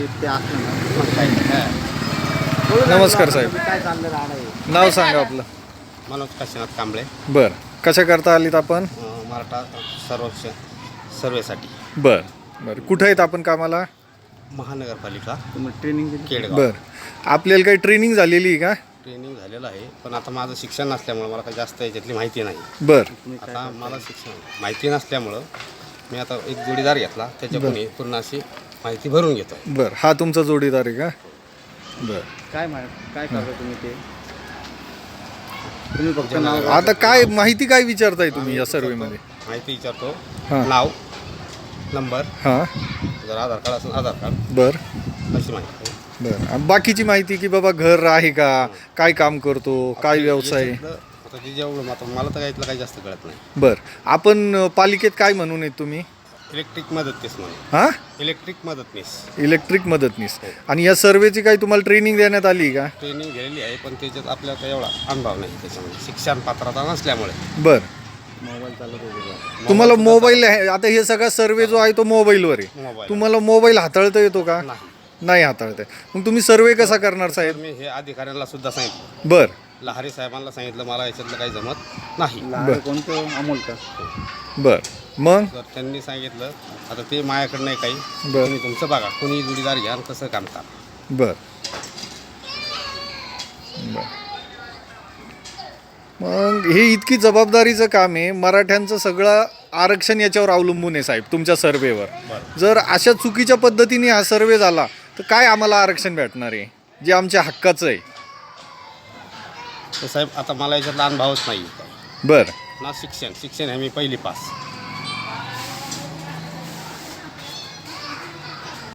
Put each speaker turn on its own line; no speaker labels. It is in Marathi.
ते असलं ना मग काय
नमस्कार साहेब.
काय चाललं राहणं आहे.
नाव सांगा आपलं.
मनोज काशीनाथ कांबळे.
बर, कशा करता आलीत आपण?
मराठा सर्वेक्षण सर्वेसाठी.
बर बर, कुठं आहेत आपण कामाला?
महानगरपालिका
तुम्ही ट्रेनिंग दिली?
केडगाव.
बर, आपल्याला काही ट्रेनिंग झालेली आहे का?
ट्रेनिंग झालेलं आहे, पण आता माझं शिक्षण नसल्यामुळं मला काही जास्त याच्यातली माहिती नाही.
बर
आता मला शिक्षण माहिती नसल्यामुळं मी आता एक जोडीदार घेतला, त्याच्याकडून पूर्ण अशी माहिती भरून घेतो.
बर, हा तुमचा जोडीदार आहे का? बर,
काय करता तुम्ही ते? तुम्ही फक्त नाव
आता काय माहिती काय विचारताय तुम्ही या सर्वेमध्ये?
माहिती विचारतो.
हां.
नाव, नंबर,
हां.
जर आधार कार्ड असेल आधार कार्ड,
बर
अशी माहिती.
बर, बाकीची माहिती की बाबा घर आहे का, काय काम करतो, काय व्यवसाय आहे?
याच्यातलं आता ते जेवढं मला तर यातलं काही जास्त कळत नाही.
बर, आपण पालिकेत काय म्हणून आहेत तुम्ही?
इलेक्ट्रिक मदतनीस म्हणून.
हां,
इलेक्ट्रिक मदतनीस
इलेक्ट्रिक मदतनीस. आणि या सर्वेची काही तुम्हाला ट्रेनिंग देण्यात आली आहे का?
ट्रेनिंग गेलेली आहे, पण त्याच्यात आपल्याला काही एवढा अनुभव नाही त्याच्यामध्ये, शिक्षण पात्रता नसल्यामुळे.
बर,
मोबाईल चालत होते.
तुम्हाला मोबाईल आता हे सगळा सर्वे जो आहे तो मोबाईलवर आहे.
मोबाईल
तुम्हाला मोबाईल हाताळता येतो का?
नाही.
नाही हाताळता येत. मग तुम्ही सर्वे कसा करणार
तर
साहेब?
मी हे अधिकाऱ्यांना सुद्धा सांगितलं,
बर
लहारी साहेबांना सांगितलं, मला याच्यातलं काही जमत नाही.
लहान कोणतं अमोल का?
बर, मग
तर त्यांनी सांगितलं आता ते माझ्याकडं नाही काही,
बर
तुम्ही तुमचं बघा, कोणी जोडीदार घ्या आणि कसं काम करा.
बर बर. मग हे इतकी जबाबदारीचं काम आहे. मराठ्यांचं सगळं आरक्षण याच्यावर अवलंबून आहे साहेब, तुमच्या सर्वेवर. जर अशा चुकीच्या पद्धतीने हा सर्वे झाला तर काय आम्हाला आरक्षण भेटणार आहे जे आमच्या हक्काचं आहे?
तर साहेब आता मला याच्यातला अनुभवच नाही.
बर
ना शिक्षण आहे मी पहिली पास.